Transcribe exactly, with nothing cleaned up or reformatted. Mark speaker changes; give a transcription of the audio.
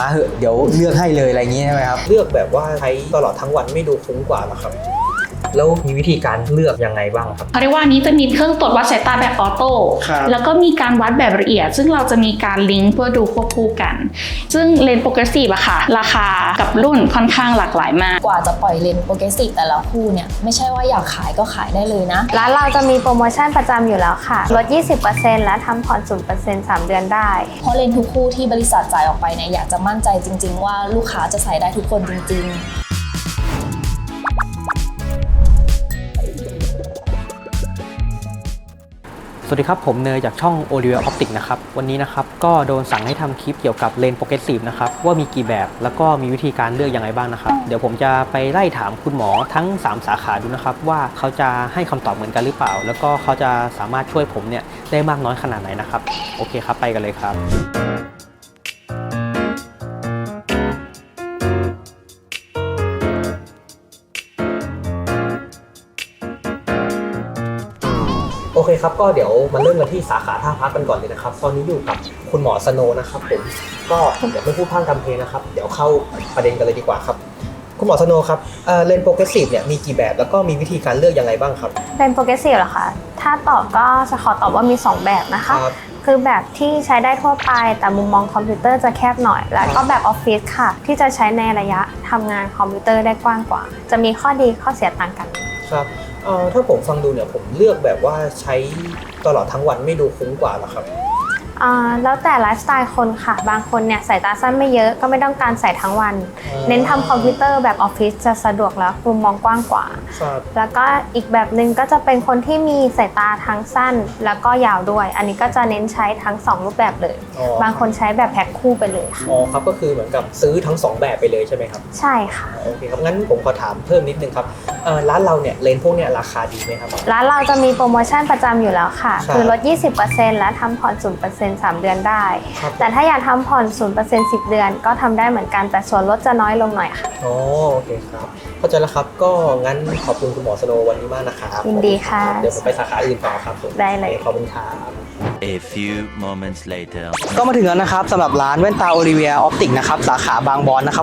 Speaker 1: มาเหอะเดี๋ยวเลือกให้เลยอะไรอย่างงี้ใช่ไหมครับเลือกแบบว่าใช้ตลอดทั้งวันไม่ดูคุ้มกว่าหรอครับแล้วมีวิธีการเลือกยังไงบ้างครับ
Speaker 2: เขาเรียกว่านี้จะมีเครื่องตรวจวัดสายตาแบบออโต้แล้วก็มีการวัดแบบละเอียดซึ่งเราจะมีการลิงก์เพื่อดูควบคู่กันซึ่งเลนส์โปรเกรสซีฟอะค่ะราคากับรุ่นค่อนข้างหลากหลายมาก
Speaker 3: กว่าจะปล่อยเลนส์โปรเกรสซีฟแต่ละคู่เนี่ยไม่ใช่ว่าอยากขายก็ขายได้เลยนะ
Speaker 4: ร้านเราจะมีโปรโมชั่นประจำอยู่แล้วค่ะลด ยี่สิบเปอร์เซ็นต์ และทำผ่อน ศูนย์เปอร์เซ็นต์ สามเดือนได้
Speaker 3: เพราะเลนส์ทุกคู่ที่บริษัทจ่ายออกไปเนี่ยอยากจะมั่นใจจริงๆว่าลูกค้าจะใส่ได้ทุกคนจริงๆ
Speaker 1: สวัสดีครับผมเนยจากช่อง Oliver Optics นะครับวันนี้นะครับก็โดนสั่งให้ทำคลิปเกี่ยวกับเลนส์โปรเกรสซีฟนะครับว่ามีกี่แบบแล้วก็มีวิธีการเลือกยังไงบ้างนะครับเดี๋ยวผมจะไปไล่ถามคุณหมอทั้งสามสาขาดูนะครับว่าเขาจะให้คำตอบเหมือนกันหรือเปล่าแล้วก็เขาจะสามารถช่วยผมเนี่ยได้มากน้อยขนาดไหนนะครับโอเคครับไปกันเลยครับโอเคครับก็เดี๋ยวมาเริ่มกันที่สาขาท่าพระกันก่อนเลยนะครับตอนนี้อยู่กับคุณหมอสโนนะครับผมก็เดี๋ยวไม่พูดพร่ำทำเพลงนะครับเดี๋ยวเข้าประเด็นกันเลยดีกว่าครับคุณหมอสโนครับเลนส์โปรเกรสซีฟเนี่ยมีกี่แบบแล้วก็มีวิธีการเลือกยังไงบ้างครับ
Speaker 4: เลนส์โปรเกรสซีฟเหรอคะถ้าตอบก็จะขอตอบว่ามีสองแบบนะคะคือแบบที่ใช้ได้ทั่วไปแต่มุมมองคอมพิวเตอร์จะแคบหน่อยแล้วก็แบบออฟฟิศค่ะที่จะใช้ในระยะทำงานคอมพิวเตอร์ได้กว้างกว่าจะมีข้อดีข้อเสียต่างกัน
Speaker 1: ครับเอ่อถ้าผมฟังดูเนี่ยผมเลือกแบบว่าใช้ตลอดทั้งวันไม่ดูคุ้มกว่าหรอครับ
Speaker 4: อ่าแล้วแต่ไลฟ์สไตล์คนค่ะบางคนเนี่ยสายตาสั้นไม่เยอะก็ไม่ต้องการใส่ทั้งวันเน้นทำคอมพิวเตอร์แบบออฟฟิศจะสะดวกแล้วมุมมองกว้างกว่าแล้วก็อีกแบบหนึ่งก็จะเป็นคนที่มีสายตาทั้งสั้นแล้วก็ยาวด้วยอันนี้ก็จะเน้นใช้ทั้งสองรูปแบบเลยบางคนใช้แบบแพ็คคู่ไปเลยค่ะ
Speaker 1: อ๋อครับก็คือเหมือนกับซื้อทั้งสองแบบไปเลยใช่ไหมครับ
Speaker 4: ใช่ค่ะ
Speaker 1: โอเคครับงั้นผมขอถามเพิ่มนิดนึงครับร้านเราเนี่ยเลนส์พวกเนี่ยราคาดีไหมครับ
Speaker 4: ร้านเราจะมีโปรโมชั่นประจำอยู่แล้วค่ะคือลด ยี่สิบเปอร์เซ็นต์ และทำผ่อน ศูนย์เปอร์เซ็นต์ สามเดือนได้แต่ถ้าอยากทำผ่อน ศูนย์เปอร์เซ็นต์ สิบเดือนก็ทำได้เหมือนกันแต่ส่วนลดจะน้อยลงหน่อยค่ะ
Speaker 1: อ๋อโอเคครับเข้าใจแล้วครับก็งั้นขอบคุณคุณหมอสโนวันนี้มากนะครับ
Speaker 4: ยินดีค่ะ
Speaker 1: เดี๋ยวผมไปสาขาอื่นต่อครับ
Speaker 4: ได้เลย
Speaker 1: ขอบคุณครับ
Speaker 5: A few moments later
Speaker 1: ก็มาถึงแล้วนะครับสำหรับร้านแว่นตา Oliver Optics นะครับสาขาบางบอนนะครับ